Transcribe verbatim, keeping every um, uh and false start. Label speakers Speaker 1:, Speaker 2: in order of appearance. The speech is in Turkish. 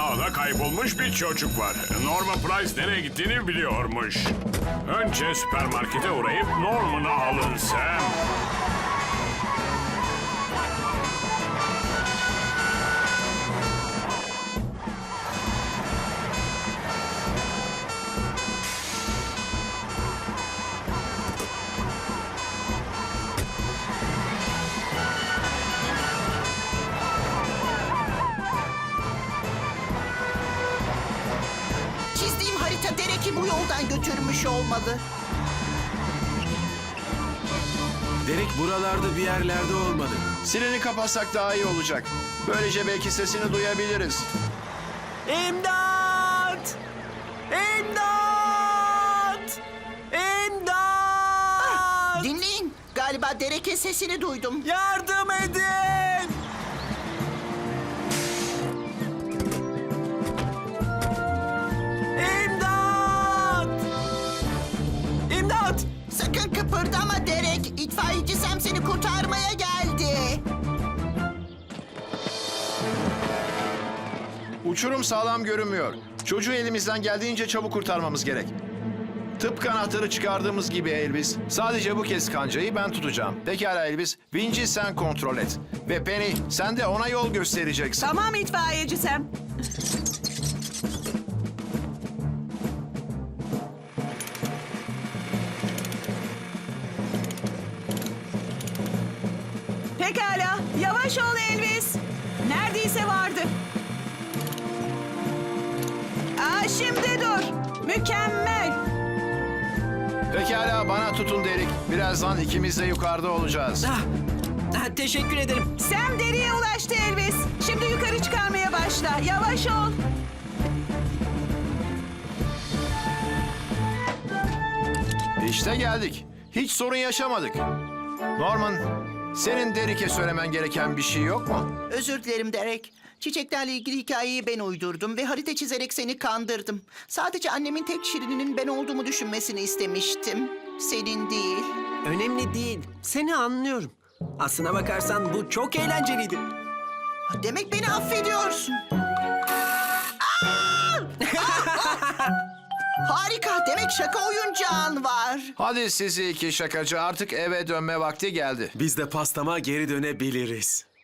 Speaker 1: dağda kaybolmuş bir çocuk var. Norman Price nereye gittiğini biliyormuş. Önce süpermarkete uğrayıp Norman'ı alın Sam.
Speaker 2: Çizdiğim harita Derek'i bu yoldan götürmüş olmalı.
Speaker 3: Derek buralarda bir yerlerde olmalı.
Speaker 4: Sireni kapatsak daha iyi olacak. Böylece belki sesini duyabiliriz.
Speaker 5: İmdat! İmdat! İmdat!
Speaker 2: Dinleyin. Galiba Derek'in sesini duydum.
Speaker 5: Yardım edin! İmdat! İmdat!
Speaker 2: Sakın kıpırdama Derek. İtfaiyeci Sam seni kurtarmaya geldi.
Speaker 4: Uçurum sağlam görünmüyor. Çocuğu elimizden geldiğince çabuk kurtarmamız gerek. Tıpkı anahtarı çıkardığımız gibi Elvis. Sadece bu kez kancayı ben tutacağım. Pekala Elvis. Vinci sen kontrol et. Ve Penny sen de ona yol göstereceksin.
Speaker 6: Tamam itfaiyeci Sam. Pekala. Yavaş ol Elvis. Neredeyse vardı. Aa, şimdi dur. Mükemmel.
Speaker 4: Pekala bana tutun Derek. Birazdan ikimiz de yukarıda olacağız.
Speaker 5: Ah, ah, teşekkür ederim.
Speaker 6: Sam deriye ulaştı Elvis. Şimdi yukarı çıkarmaya başla. Yavaş ol.
Speaker 4: İşte geldik. Hiç sorun yaşamadık. Norman, senin Derek'e söylemen gereken bir şey yok mu?
Speaker 2: Özür dilerim Derek. Çiçeklerle ilgili hikayeyi ben uydurdum ve harita çizerek seni kandırdım. Sadece annemin tek şirininin ben olduğumu düşünmesini istemiştim. Senin değil.
Speaker 5: Önemli değil. Seni anlıyorum. Aslına bakarsan bu çok eğlenceliydi.
Speaker 2: Demek beni affediyorsun. Aa! Harika. Demek şaka oyuncağın var.
Speaker 4: Hadi sizi iki şakacı artık eve dönme vakti geldi.
Speaker 3: Biz de pastama geri dönebiliriz.